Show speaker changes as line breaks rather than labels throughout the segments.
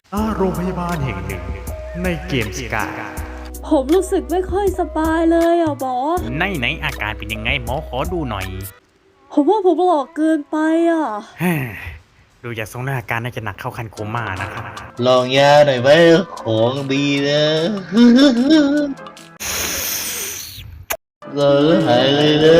โรงพยาบาลแห่งหนึ่งในเกมสกาย
ผมรู้สึกไม่ค่อยสบายเลยอ่ะหมอ
ไหนอาการเป็นยังไงหมอขอดูหน่อย
ผมว่าผมหลอกเกินไปอ่ะ
ดูจากทรงอาการน่าจะหนักเข้าคันโคม่านะครับ
ลองยาหน่อยไหมของดีนะเราหายเลยนะ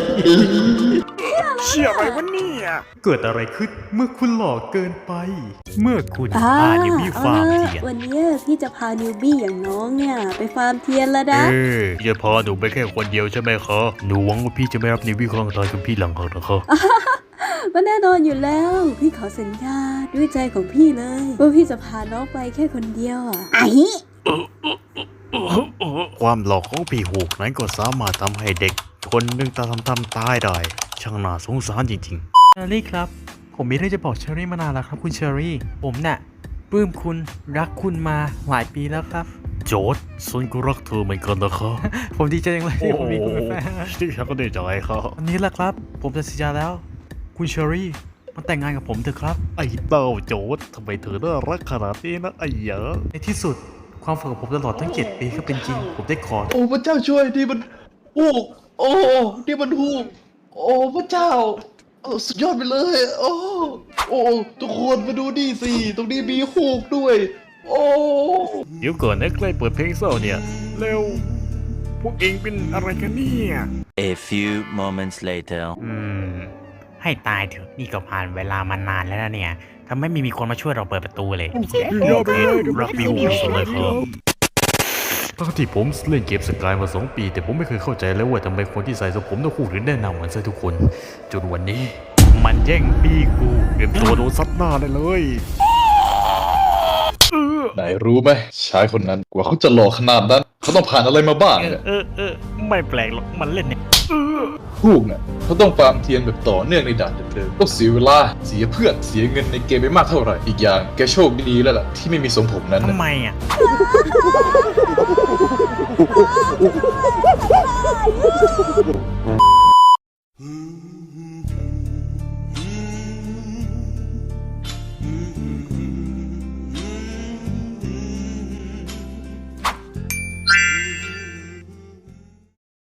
เชี่ยอะไรวะเนี่ย
เกิดอะไรขึ้นเมื่อคุณหลอกเกินไป
เมื่อคุณพานิวบี้ฟาร์มเทียน
วันนี้พี่จะพานิวบี้อย่างน้องเนี่ยไปฟาร์มเทียนแล้วนะ
จะพาหนูไปแค่คนเดียวใช่ไหมคะหนูหวังว่าพี่จะไม่รับนิวบี้ครั้งตายกับพี่หลังหักนะคะ
มันแน่นอนอยู่แล้ว พี่ขอสัญญาด้วยใจของพี่เลยว่าพี่จะพาน้องไปแค่คนเดียวอ่ะ
ความหลอกของพี่หูกนั้นก็สามารถทำให้เด็กคนหนึ่งทำตายได้ ช่างน่าสงสารจริงๆ
เชอรี่ครับ ผมมีเรื่องจะบอกเชอรี่มานานแล้วครับคุณเชอรี่ ผมน่ะปลื้มคุณรักคุณมาหลายปีแล้วครับ
โจทย์ฉันก็รักเธอเหมือนกันนะครับ
ผมดีใจจังเลยที่ผมมีคุณเป็นแฟน
ที่ฉันก็ดีใจครับ
วันนี้แหละครับ ผมจะสัญญาแล้ว คุณเชอรี่มาแต่งงานกับผมเถอะครับ
ไอ้เต้าโจทย์ทำไมเธอน่ารักขนาดนี้นะไอ้เหยอะ
ในที่สุดความฝันของผมตลอดทั้ง7 ปีก็เป็นจริง ผมได้ขอ
โอ้พระเจ้าช่วยนี่มันฮูกโอ้นี่มันฮูกโอ้พระเจ้าสุดยอดไปเลยโอ้ทุกคนมาดูนี่สิตรงนี้มีฮูกด้วย โอ้
เดี๋ยวก่อนนะใกล้เปิดเพลงเศร้าเนี่ยแล้วพวกเองเป็นอะไรกันเนี่ย
A few moments later.
ให้ตายเถอะนี่ก็ผ่านเวลามานานแล้วนะเนี่ยทำไมไม่มีคนมาช่วยเราเปิดประตูเลยรับบิวสุดเลยครับปกติผมเล่นเกมสกายมา2 ปีแต่ผมไม่เคยเข้าใจเลยว่าทำไมคนที่ใส่ทรงผมต้องคู่ถึงได้นำเหมือนซะทุกคนจนวันนี้มันแย่งพี่กูเตรียมตัวโดนซัดหน้าได้เลย
ไหนรู้ไหมชายคนนั้นกว่าเขาจะหล่อขนาดนั้นเขาต้องผ่านอะไรมาบ้างเนี่ย
ไม่แปลกหรอกมันเล่นเนี่ย
ฮูกเนี่ยเขาต้องฟาร์มเทียนแบบต่อเนื่องในด่านเดิมๆต้องเสียเวลาเสียเพื่อนเสียเงินในเกมไปมากเท่าไหร่อีกอย่างแกโชคดีแล้วล่ะที่ไม่มีทรงผมนั้น
ทำ
น่ะ
ไมอ่ะ